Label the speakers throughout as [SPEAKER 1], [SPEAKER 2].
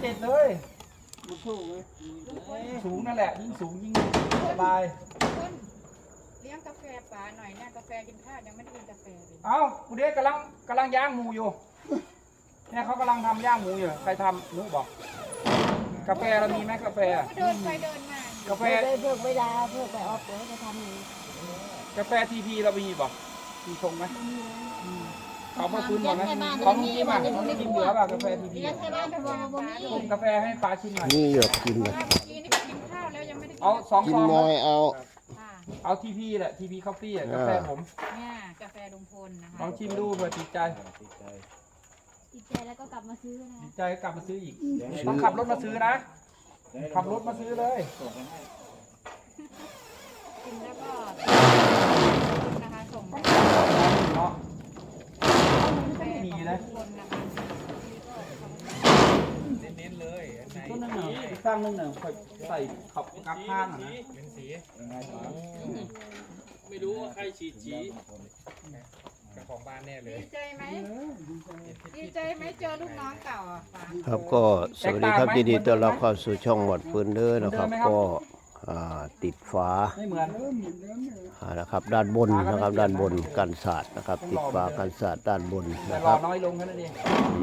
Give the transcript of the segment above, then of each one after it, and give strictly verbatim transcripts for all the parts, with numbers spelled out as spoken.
[SPEAKER 1] เด็ดเลย
[SPEAKER 2] สูงเลย
[SPEAKER 1] สูงนั่นแหละยิ่งสูงยิ่งสบาย
[SPEAKER 3] เลี้ยงกาแฟป๋าหน่อยเนี่ยกาแฟกินข้าวยังไม่ได้กินกาแฟเลย
[SPEAKER 1] เอ้าคุณเด็กกำลังกำลังย่างหมูอยู่เนี่ยเขากำลังทำย่างหมูอยู่ใครทำนุ๊กบอกกาแฟเรามีไหมกาแฟ
[SPEAKER 3] เดินไปเดินมากาแฟ
[SPEAKER 2] เพื่อไม่ได้เพื่อไปออฟเดี๋ยวจะทำนี้
[SPEAKER 1] กาแฟทีพีเรามีบอกมีชงไหมเขามาคืนบอกไหมของลุงจิ้มอ่ะลุงจิ้มเหลือป่ะกาแฟทีพีกาแฟให้ปลาชิมหน่อย
[SPEAKER 4] นี่หยอกกินเลย
[SPEAKER 1] เอาสอง
[SPEAKER 4] กิน
[SPEAKER 1] ซอง
[SPEAKER 4] น้อยเอา
[SPEAKER 1] เอาทีพีแหละทีพีคอฟฟี่อ่ะกาแฟผม
[SPEAKER 3] เนี่ยกาแฟลุงพลนะคะ
[SPEAKER 1] ลองชิมดูเผื่อติดใจ
[SPEAKER 2] ติดใจแล้วก็กลับมาซื้อนะ
[SPEAKER 1] ติดใจกลับมาซื้ออีกต้องขับรถมาซื้อนะขับรถมาซื้อเลย
[SPEAKER 3] กินแล้วก็นะคะส่ง
[SPEAKER 1] เนาะมีนะเน้นๆเลยต้นนึงหนึ่งสร้างนึงหนึ่งค่อยใส่ขับกับข้างนะเป็นสี
[SPEAKER 5] ไม่รู้ว่าใครฉีดฉีเจ้าของบ้านแน่เลย
[SPEAKER 3] ดีใจไหมดีใจไหมเจอลูกน้องเก่าอ่ะ
[SPEAKER 4] ครับก็สวัสดีครับยินดีต้อนรับเข้าสู่ช่องหวัดปืนเด้อนะครับก็ติดฝา
[SPEAKER 1] ไม่เหมือน
[SPEAKER 4] นะครับด้านบนนะครับด้านบนกันศาสตร์นะครับติดฝากันศาสตร์ด้านบน
[SPEAKER 1] นะ
[SPEAKER 4] ครับ
[SPEAKER 1] น้อยลงแค่นั้นเอง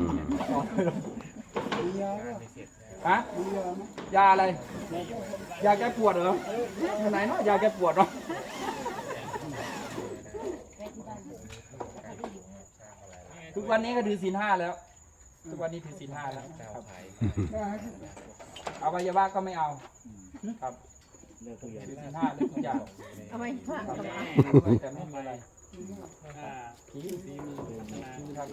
[SPEAKER 1] ฮะยาอะไรยาแก้ปวดเหรอไหนเนาะยาแก้ปวดเนาะทุกวันนี้ก็ถือศีลห้าแล้วทุกวันนี้ถือศีลห้าแล้วครับอวัยวะก็ไม่เอาครับถือศีลห้าเลยทุกอย่าง
[SPEAKER 2] ทำไมพลาด
[SPEAKER 1] แต่ไม่มีอะไรผีผีมีผีครับ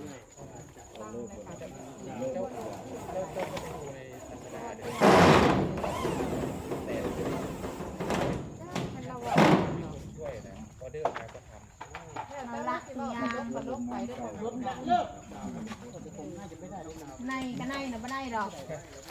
[SPEAKER 2] ในก็ในนะไม่ได้หรอก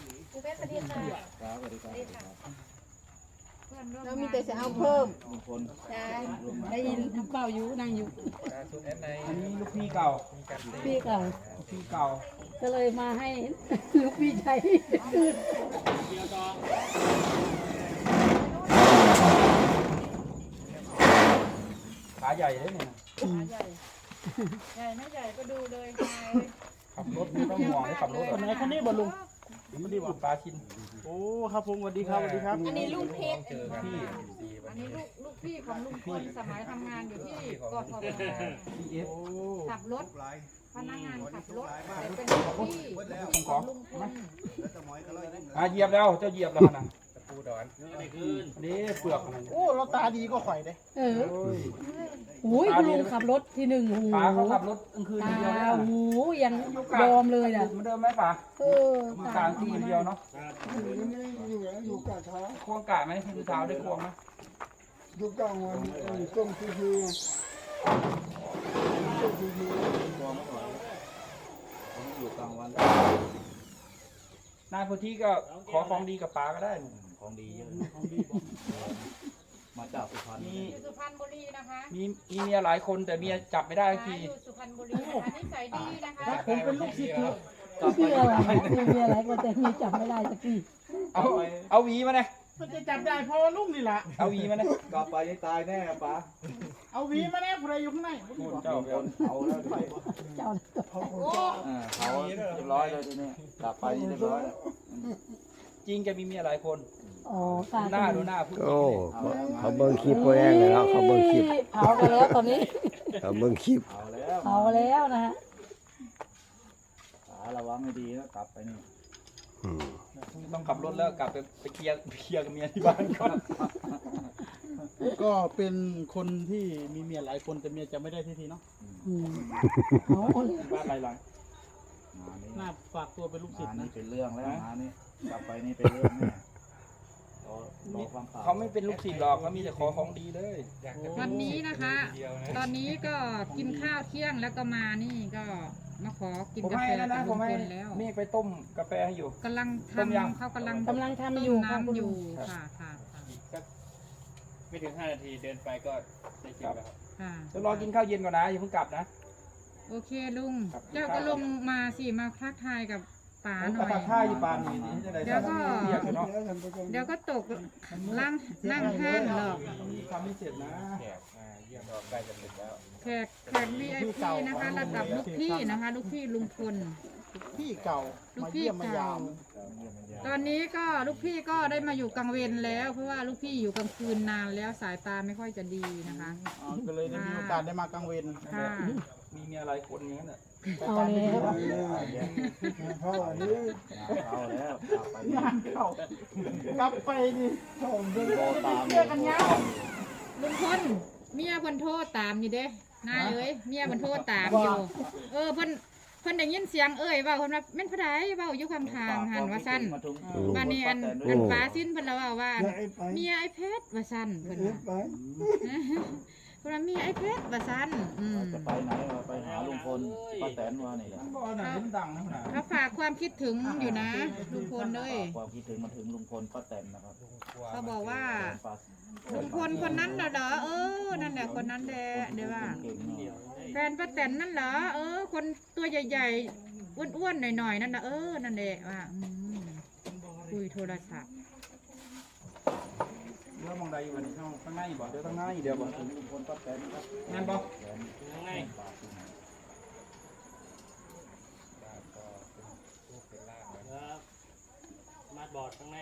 [SPEAKER 2] เรามีแต่จะเอาเพิ่มใช่ได้ยินเปล่าอยู่นั่งอยู่
[SPEAKER 1] อันนี้ลูกพี่เก่า
[SPEAKER 2] พี่เก่า
[SPEAKER 1] พี่เก่า
[SPEAKER 2] ก็เลยมาให้ลูกพี่ใช้
[SPEAKER 1] ขาใหญ่เลยเนี่ย
[SPEAKER 3] ขาใหญ่ใหญ่ไม่ใหญ่ก็ดูเลย
[SPEAKER 1] ขับรถไม่ต้องห่วงเลยขับรถ
[SPEAKER 5] คนไหนคนนี้บ่ลุง
[SPEAKER 1] ไม่ได้บอกปลาชิน
[SPEAKER 5] โอ้ครับผมสวัสดีครับสวัสดีครับ
[SPEAKER 3] อันนี้ลูกเพชรพี่อันนี้ลูกลูกพี่ของลุงพลสมัยทำงานอยู่ที่กทมขับรถพนักงานขับรถเป็นพี่ของลุงพล
[SPEAKER 1] อ่ะเหยียบแล้วเจ้าเหยียบแล้วนะตะปูดอนนี่คือนี่เปลือกอะไร
[SPEAKER 5] โอ้เราตาดีก็ข่อยเด้
[SPEAKER 2] เออโอ้ยคุณลุงขับรถทีหนึ่งโอ้
[SPEAKER 1] ป๋าเขาขับรถกลางคืนเดียว
[SPEAKER 2] โอ้โหยังยอมเลยอ่ะ
[SPEAKER 1] เหมือนเดิมไหมป๋า
[SPEAKER 2] เออ
[SPEAKER 1] มือกลางคืนเดียวเนาะ
[SPEAKER 6] อยู่แล้วอยู่กะเท้า
[SPEAKER 1] ควงกะไหมคือเท้าได้ควงไหม
[SPEAKER 6] อยู่กลางวันต้มคือคือต้มคือคือควงไม่ไหว
[SPEAKER 1] อยู่กลางวันนายพุทธิก็ขอของดีกับป๋าก็ได้
[SPEAKER 5] ของดีเยอะของดีมาจากสุพรรณ
[SPEAKER 3] มีสุพรรณบุรีนะคะ
[SPEAKER 1] มีมีเมียหลายคนแต่เมียจับไม่ได้ที
[SPEAKER 3] อยู่สุพรรณบุรีนะคะนิสัยดีนะคะ
[SPEAKER 2] ผมเป็นลูกศิษย์เมียอะไรเมียอะไรก็แต่เมียจับไม่ได้สักที
[SPEAKER 1] เอาเอาหวีมาเนี่ย
[SPEAKER 5] มันจะจับได้เพราะลูกนี่แหละ
[SPEAKER 1] เอาหวีมาเนี่ย
[SPEAKER 5] กลับไปยังตายแน่ป๋าเอาหวีมาแน่ผู้ใดอยู่ข้างใน
[SPEAKER 1] เจ้า
[SPEAKER 5] เอาแล้วไป
[SPEAKER 2] เจ้า
[SPEAKER 5] เขาเขาเรียบร้อยเลยทีนี้กลับไปเรียบร้อย
[SPEAKER 1] จริงแกมีเมียหลายคน
[SPEAKER 2] อ๋อ
[SPEAKER 1] หน้าดูหน้าพูด
[SPEAKER 4] โอ้เขาเบิ้งคลิปตัวเองเลยแล้วเขาเบิ้งคลิป
[SPEAKER 2] เผาไปแล้วตอนนี้
[SPEAKER 4] เขาเบิ้งคลิป
[SPEAKER 2] เผาแล้วนะฮะ
[SPEAKER 5] ระวังให้ดีนะกลับไปนี่
[SPEAKER 1] ต้องขับรถแล้วกลับไปไปเคลียร์เคลียร์กับเมียที่บ้านก่อน
[SPEAKER 5] ก็เป็นคนที่มีเมียหลายคนแต่เมียจะไม่ได้ทีทีเนาะ
[SPEAKER 2] เอา
[SPEAKER 1] บ้านหลายหลัง
[SPEAKER 5] น่าฝากตัวเป็นลูกศิษย์
[SPEAKER 7] นี่เป็นเรื่องแล้วงานนี้กลับไปนี่เป็นเรื่องแน่
[SPEAKER 1] เขาไม่เป็นลูกศิษย์หรอกเขามีแต่ขอของดีเลย
[SPEAKER 3] วันนี้นะคะตอนนี้ก็กินข้าวเที่ยงแล้วก็มานี่ก็มาขอกินกาแฟกับลุงพลแล้ว
[SPEAKER 1] เมฆไปต้มกาแฟให้อยู่
[SPEAKER 3] กำลังทำเขากำลัง
[SPEAKER 2] กำลังทำอยู่
[SPEAKER 3] น้ำอยู่ค่ะค่ะ
[SPEAKER 5] ไม่ถึงห้านาทีเดินไปก็ได้กินแล้ว
[SPEAKER 3] ค่ะ
[SPEAKER 1] จะรอกินข้าวเย็นก่อนนะอย่าเพิ่งกลับนะ
[SPEAKER 3] โอเคลุงเจ้าก็ลงมาสิมาทักทายกับป๋า
[SPEAKER 1] ผม
[SPEAKER 3] ห
[SPEAKER 1] ก็
[SPEAKER 3] น่อย
[SPEAKER 1] ทักทายอยู่ปานนี้จะได้
[SPEAKER 3] เดี๋ยวก็
[SPEAKER 1] เรียกอยู่เนาะ
[SPEAKER 3] เดี๋ยวก็ตกล่างนั่งห้างหรอก
[SPEAKER 1] ทำไม่เสร็จนะ
[SPEAKER 3] แขกแขก วี ไอ พี นะคะระดับลูกพี่นะคะ ลูกพี่ลุงพล
[SPEAKER 5] พี่เก่า
[SPEAKER 3] ลูก
[SPEAKER 5] มา
[SPEAKER 3] พี่
[SPEAKER 5] เยี่ยมมา
[SPEAKER 3] เก่าย
[SPEAKER 5] าม
[SPEAKER 3] ตอนนี้ก็ลูกพี่ก็ได้มาอยู่กลางเวรแล้ว เพราะว่าลูกพี่อยู่กลางคืนนานแล้วสายตาไม่ค่อยจะดีนะคะ
[SPEAKER 5] อ๋อก็เลยได้มีโอกาสได้มากลางเวร
[SPEAKER 3] ค่ะ
[SPEAKER 1] มีเมียหลายคนอย่างนั้นแหละ
[SPEAKER 2] เอาแล้ว
[SPEAKER 6] เขาอันนี้
[SPEAKER 7] เอาแล้วกลับไปนี่
[SPEAKER 5] งานเข้ากลับไปดิ
[SPEAKER 6] เขาเป็น
[SPEAKER 7] โทรตาม
[SPEAKER 3] เจอกันยังลุงพลเมียเพิ่นโทรตามอยู่เด้นายเอ้ยเมียเพิ่นโทรตามอยู่ เออเพิ่นเพิ่นได้ยินเสียงเอ้ยเว้าเพิ่นว่าแม่นผู้ใดเว้าอยู่ข้างทางหันว่าซั่นบ้านนี้อันอันฟ้าสิ้นเพิ่นละเว้าว่า
[SPEAKER 6] อย่าไอ้ไป
[SPEAKER 3] เมียไอ้เพชรว่าซั่นเพิ่น
[SPEAKER 6] เอ็
[SPEAKER 3] ว่า
[SPEAKER 6] ดไป
[SPEAKER 3] เพิ่นว่าเมียไอ้เพชรว่าซั่นอืม
[SPEAKER 7] จะไปไหนวะไปหาลุงพลป้าแตนว่านี่แหละ
[SPEAKER 1] บ่อไหนมันดังนะขนาด
[SPEAKER 3] เขาฝากความคิดถึงอยู่นะลุงพลเลย
[SPEAKER 7] ความคิดถึงมาถึงลุงพลป้าแตนนะครับ
[SPEAKER 3] เขาบอกว่า
[SPEAKER 7] ป้า
[SPEAKER 3] ลุงพลคนนั้นน่ะเหรอเออนั่นแหละคนนั้นแหละเดี๋ยวว่า
[SPEAKER 7] เก่งเนาะ
[SPEAKER 3] แฟนป้าแตนนั่นเหรอเออ คนตัวใหญ่ๆอ้วนๆหน่อยๆนั่นนะเออนั่นแหละว่าอืมคุยโทรศัพท์
[SPEAKER 1] เดี๋ยวมองใดอยู่วันนี้ข้างในบ่เดี๋ยวข้างในเดี๋ยวบ่
[SPEAKER 7] ถึงลุงพลป้าแตนนะครับ
[SPEAKER 1] งานบ่
[SPEAKER 7] แตนยังไง
[SPEAKER 8] มาบอดข้างใน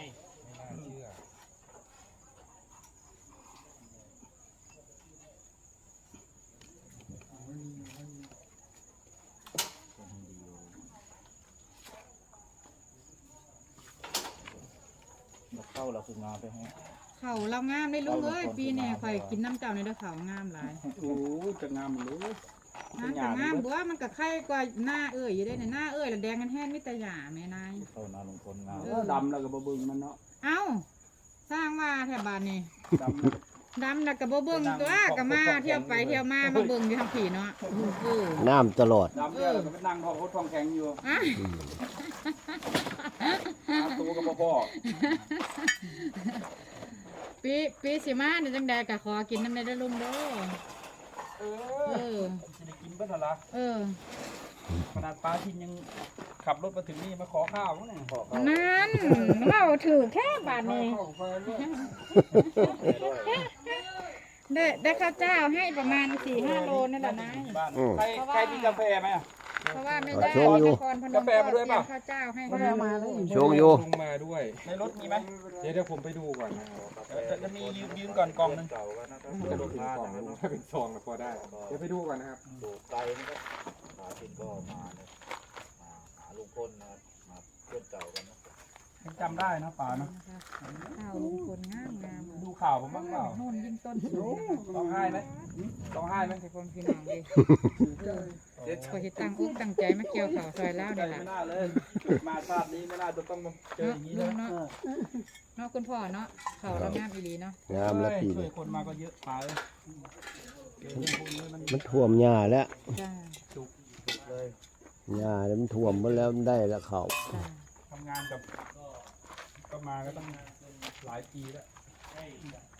[SPEAKER 7] เข้าเราคืองานไปให้
[SPEAKER 3] เขาเรางามได้ลูกเอ้ยปีนี้ข่อยกินน้ำเจ้าในเด้อเขางามหลาย
[SPEAKER 1] โอ้ยจะงามหรือ
[SPEAKER 3] งามแต่งามบัวมันก็ไข่กว่าหน้าเอ้ยอยู่ได้ในหน้าเอ้ยแล้วแดงกันแห้งมิตรหยาแม่นาย
[SPEAKER 7] เข้านาลุงพลงาน
[SPEAKER 1] เออดำแล้วก็บ่เบิ่งมันเนาะ
[SPEAKER 3] เอ้าสร้างว่าแถบบ้านนี่
[SPEAKER 1] ดำแล้ว
[SPEAKER 3] ดำแล้วก็บ่เบิ่งตัวก็มาเที่ยวไปเที่ยวมามาเบิ่งอยู่ทางผีเนาะเออ
[SPEAKER 4] น้ำตลอด
[SPEAKER 1] ดำแล้วก็ไปนั่งท้องเขาท้องแข็งอยู่
[SPEAKER 3] อ่ะ
[SPEAKER 1] หาตัวก็บ่พอ
[SPEAKER 3] ปีปีสิมาเดี๋ยวจังใดก็ขอกินน้ำในเด้อลุงเด้อ
[SPEAKER 1] เอ
[SPEAKER 3] เอ
[SPEAKER 1] อ
[SPEAKER 3] อ
[SPEAKER 1] จะได้กินเบิ่นล่ะ
[SPEAKER 3] เออ
[SPEAKER 1] ขนาดป้าทินยังขับรถมาถึงนี่มาขอข้าวมั้งเนี่ยขอข้าว
[SPEAKER 3] นั่นเราถือแค่บาทนี้
[SPEAKER 6] เข้าไปแล้ว
[SPEAKER 3] ได้ได้ข้าวเจ้าให้ประมาณสี่ห้าโลนี่แหละนะ
[SPEAKER 1] บ้าน
[SPEAKER 4] อืม
[SPEAKER 1] ใครใครมีกาแฟไหมอะ
[SPEAKER 3] เพราะว่าไม่ได้
[SPEAKER 4] โชว์อยู่
[SPEAKER 3] นครพนมก็เตรียมข้าวเจ้าให้เขา
[SPEAKER 4] โชคอยู่
[SPEAKER 8] ลงมาด้วย
[SPEAKER 1] ในรถมีไหม
[SPEAKER 8] เดี๋ยวเดี๋ยวผมไปดูก่อน
[SPEAKER 1] จะจะมียืมยืมก่อนกล่องหนึง
[SPEAKER 7] เก่ากันนะครับ
[SPEAKER 8] มันจะถึงกล่องลุงถ้าเป็นซองก็พอได้ เดี๋ยวไปดูก่อนนะครับ
[SPEAKER 7] ดูไกลนะครับหาทินก็มาเนี่ยมาหาลุงพลนะครับมาเพื่อนเก่ากันนะ
[SPEAKER 1] ยังจำได้นะป่าเนาะ
[SPEAKER 3] ข้าวลุงพลงามงาม
[SPEAKER 1] ดูข่าวผมบ้างเปล่า
[SPEAKER 3] โน่นยิ่งต้นสูง
[SPEAKER 1] ร้องไห้ไหมร้องไห้ไหม
[SPEAKER 3] แต่คนพี่น้องดิพอเห็นตั้งอกตั้งใจมาเกี่ยวข่าวซอยแล้ว
[SPEAKER 1] ใจ
[SPEAKER 3] นี่แหละ
[SPEAKER 1] ไม่น่าเลยมาชาตินี้ไม่น่าจะต้องมาเจออย่างนี้
[SPEAKER 3] ลุ
[SPEAKER 1] นะ
[SPEAKER 3] งเนาะเนาะคุณพ่อเนาะข่าวเรางามอีหลีเนาะ
[SPEAKER 4] งามแล้วปี
[SPEAKER 1] ช่ว
[SPEAKER 4] นี้
[SPEAKER 1] ยคนมาก็เยอะป่าเลยเจอเรื่องพวกนี้มัน
[SPEAKER 4] มันท่วมหญ้าแล้ว
[SPEAKER 3] จ้า
[SPEAKER 4] หญ้าแล้วมันท่วมหมดแล้วมันได้แล้วเขาว
[SPEAKER 3] จ้า
[SPEAKER 1] ทำงานกับก็มาก็ต้องหลายปีแล้ว